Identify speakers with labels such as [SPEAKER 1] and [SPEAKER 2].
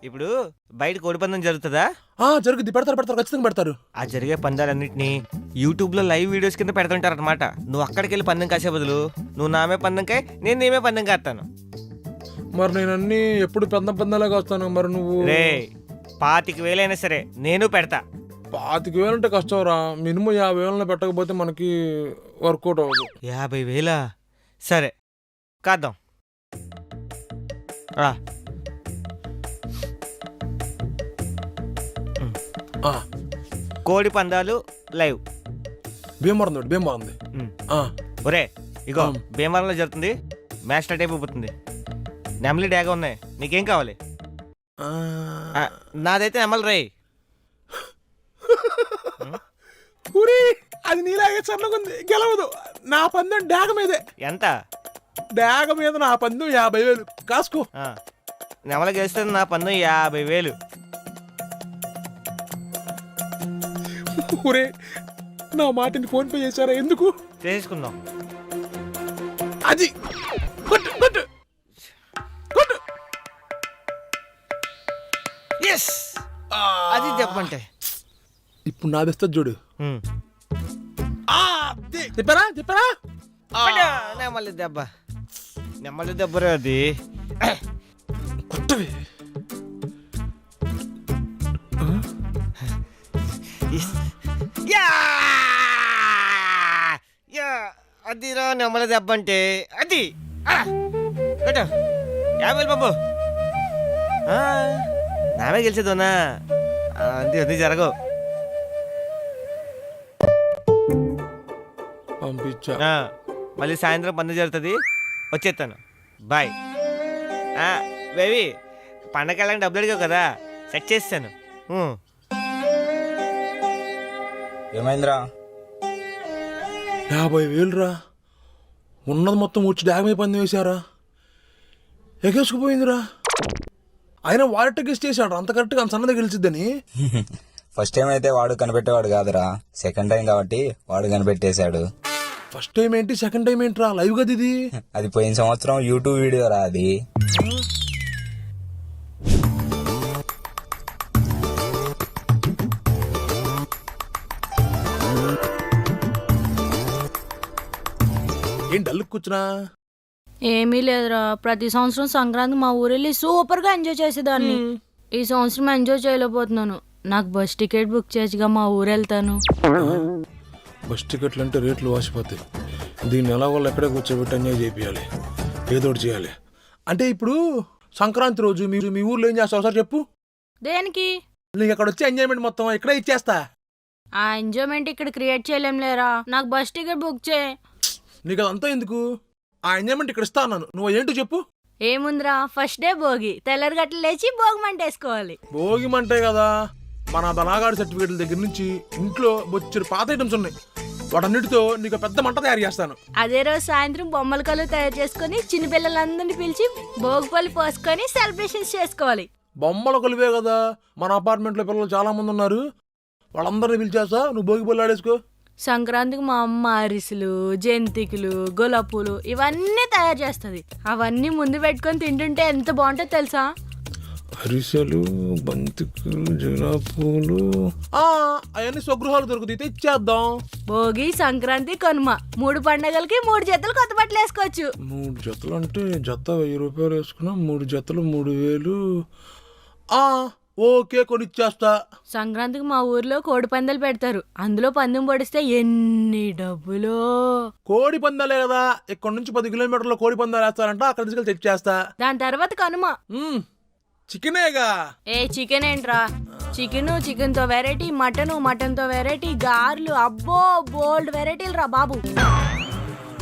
[SPEAKER 1] ఇప్పుడు బయట కోడి పందెం జరుగుతుందా?
[SPEAKER 2] జరుగుద్ది, పెడతారు, ఖచ్చితంగా పెడతారు.
[SPEAKER 1] ఆ జరిగే పందాలన్నింటినీ యూట్యూబ్ లో లైవ్ వీడియోస్ కింద పెడుతుంటారు అనమాట. నువ్వు అక్కడికి వెళ్ళి పందెం కాసే బదులు నువ్వు నామే పందెం కాయ, నేను నేమే పందెం కాస్తాను.
[SPEAKER 2] మరి నేను అన్ని ఎప్పుడు పందాలాగా వస్తాను. మరి నువ్వు
[SPEAKER 1] రే 25,000 అయినా సరే నేను పెడతా.
[SPEAKER 2] 25,000 అంటే కష్టం రా. మినిమం 50,000 పెట్టకపోతే మనకి వర్కౌట్ అవ్వదు.
[SPEAKER 1] 50,000 సరే కాద్దాం. కోడి పందాలు లైవ్.
[SPEAKER 2] భీమవరం బాగుంది.
[SPEAKER 1] ఒరే ఇగో భీమవరంలో జరుగుతుంది. మ్యాచ్ స్టార్ట్ అయిపోతుంది. నెమలి డాగా ఉన్నాయి. నీకేం కావాలి? నాదైతే నెమలి రే.
[SPEAKER 2] అది నీలాగే చల్లగుంది, గెలవదు. నా పందెం డాగ మీదే.
[SPEAKER 1] ఎంత?
[SPEAKER 2] డాగ మీద నా పందెం 50,000 కాసుకో.
[SPEAKER 1] నెమలి గెలిస్తే నా పందెం 50,000.
[SPEAKER 2] ఊరే నా మాటని ఫోన్ పే చేశారా? ఎందుకు?
[SPEAKER 1] చేసుకుందాం.
[SPEAKER 2] అది
[SPEAKER 1] అది చెప్పంటే
[SPEAKER 2] ఇప్పుడు నా తెస్తా చూడు. చెప్పారా
[SPEAKER 1] నెమలి దెబ్బ అది.
[SPEAKER 2] కొట్టవి
[SPEAKER 1] అదిరా నెమలి దెబ్బ అంటే. అది 50,000 బాబు. నామే గెలిచేదోనా? అది జరగవు.
[SPEAKER 2] పంపించా.
[SPEAKER 1] మళ్ళీ సాయంత్రం పండుగ జరుగుతుంది, వచ్చేస్తాను. బాయ్. బేబీ పండగ వెళ్ళడానికి డబ్బులు అడిగావు కదా, సెట్ చేస్తాను.
[SPEAKER 3] ఏమైందిరా?
[SPEAKER 2] 50,000 రా. ఉన్నది మొత్తం వచ్చి డాగమే పందెం వేశారా? ఎగేసుకుపోయిందిరా. ఆయన వాడట గెస్ట్ చేశాడు. అంత కరెక్ట్గా అంత సన్నది గెలిచిద్దని.
[SPEAKER 3] ఫస్ట్ టైం అయితే వాడు కనిపెట్టేవాడు కాదురా, సెకండ్ టైం కాబట్టి వాడు కనిపెట్టేశాడు.
[SPEAKER 2] ఫస్ట్ టైం ఏంటి, సెకండ్ టైం ఏంట్రా? లైవ్ కదా ఇది.
[SPEAKER 3] అది పోయిన సంవత్సరం యూట్యూబ్ వీడియో రా. అది
[SPEAKER 2] ఏం డల్లు కూర్చున్నా?
[SPEAKER 4] ఏమీ లేదురా. ప్రతి సంవత్సరం సంక్రాంతి మా ఊరెళ్ళి సూపర్ గా ఎంజాయ్ చేసేదాన్ని. ఈ సంవత్సరం ఎంజాయ్ చేయలేకపోతున్నాను. నాకు బస్ టికెట్ బుక్ చేసిగా మా ఊరు వెళ్తాను.
[SPEAKER 2] బస్ టికెట్లు అంటే రేట్లు వాసిపోతాయి. దీన్ని ఎలా వాళ్ళు ఎక్కడే కూర్చోబెట్టి ఎంజాయ్ చేయాలి, ఏదోటి చేయాలి. అంటే ఇప్పుడు సంక్రాంతి రోజు మీరు మీ ఊర్లో ఏం చేస్తావు సార్ చెప్పు?
[SPEAKER 4] దేనికి?
[SPEAKER 2] నీకు అక్కడ వచ్చే ఎంజాయ్మెంట్ మొత్తం ఇక్కడే ఇచ్చేస్తా.
[SPEAKER 4] ఆ ఎంజాయ్మెంట్ ఇక్కడ క్రియేట్ చేయలేం లేరా. నాకు బస్ టికెట్ బుక్ చేయి.
[SPEAKER 2] నీకు అదంతా ఎందుకు? ఆ ఎంజాయ్మెంట్ ఇక్కడ ఇస్తా అన్నాను. నువ్వు ఏంటో చెప్పు.
[SPEAKER 4] ఏముందిరా, ఫస్ట్ డే భోగి. తెల్లరి గట్లు లేచి భోగి మంట వేసుకోవాలి.
[SPEAKER 2] భోగి మంటే కదా. మన బలాగాడు సర్టిఫికేట్ల దగ్గర నుంచి ఇంట్లో బొచ్చెడు పాత ఐటమ్స్ ఉన్నాయి. వాటన్నిటితో నీకు పెద్ద మంట తయారు చేస్తాను.
[SPEAKER 4] అదే రోజు సాయంత్రం బొమ్మల కళ్ళు తయారు చేసుకుని చిన్నపిల్లలందరినీ పిలిచి భోగిపల్లి పోసుకొని సెలబ్రేషన్స్ చేసుకోవాలి.
[SPEAKER 2] బొమ్మల కొలివే కదా. మన అపార్ట్మెంట్ లో పిల్లలు చాలా మంది ఉన్నారు. వాళ్ళందరినీ పిలిచేస్తా, నువ్వు భోగి పళ్ళు ఆడేసుకో.
[SPEAKER 4] సంక్రాంతికి మా అమ్మ అరిసెలు, జంతికలు, గులాబీలు ఇవన్నీ తయారు చేస్తుంది. అవన్నీ ముందు పెట్టుకొని తింటుంటే ఎంత బాగుంటుందో తెలుసా?
[SPEAKER 2] అరిసెలు, బంతికలు, గులాబీలు అవన్నీ స్వగృహాలు దొరుకుతాయి, ఇచ్చేద్దాం.
[SPEAKER 4] భోగి, సంక్రాంతి, కనుమ 3 పండగలకి 3 జతలు కొత్త బట్టలు వేసుకోవచ్చు.
[SPEAKER 2] 3 జతలు అంటే జత 1000 రూపాయలు వేసుకున్నా 3 జతలు 3,000. ఓకే, కొనిచ్చేస్తా.
[SPEAKER 4] సంక్రాంతికి మా ఊర్లో కోడి పందాలు పెడతారు. అందులో పందెం పొడిస్తే ఎన్ని డబ్బులో.
[SPEAKER 2] కోడి పందాలే కదా. ఇక్కడ నుంచి 10 కిలోమీటర్ల కోడి పందాలు వేస్తారంట. అక్కడ తీసుకెళ్ళి తెచ్చేస్తా.
[SPEAKER 4] దాని తర్వాత కనుమ.
[SPEAKER 2] చికెనేగా.
[SPEAKER 4] చికెన్ ఏంట్రా? చికెన్ తో వెరైటీ, మటన్ తో వెరైటీ, గార్లు, అబ్బో బోల్డ్ వెరైటీలు రా బాబు.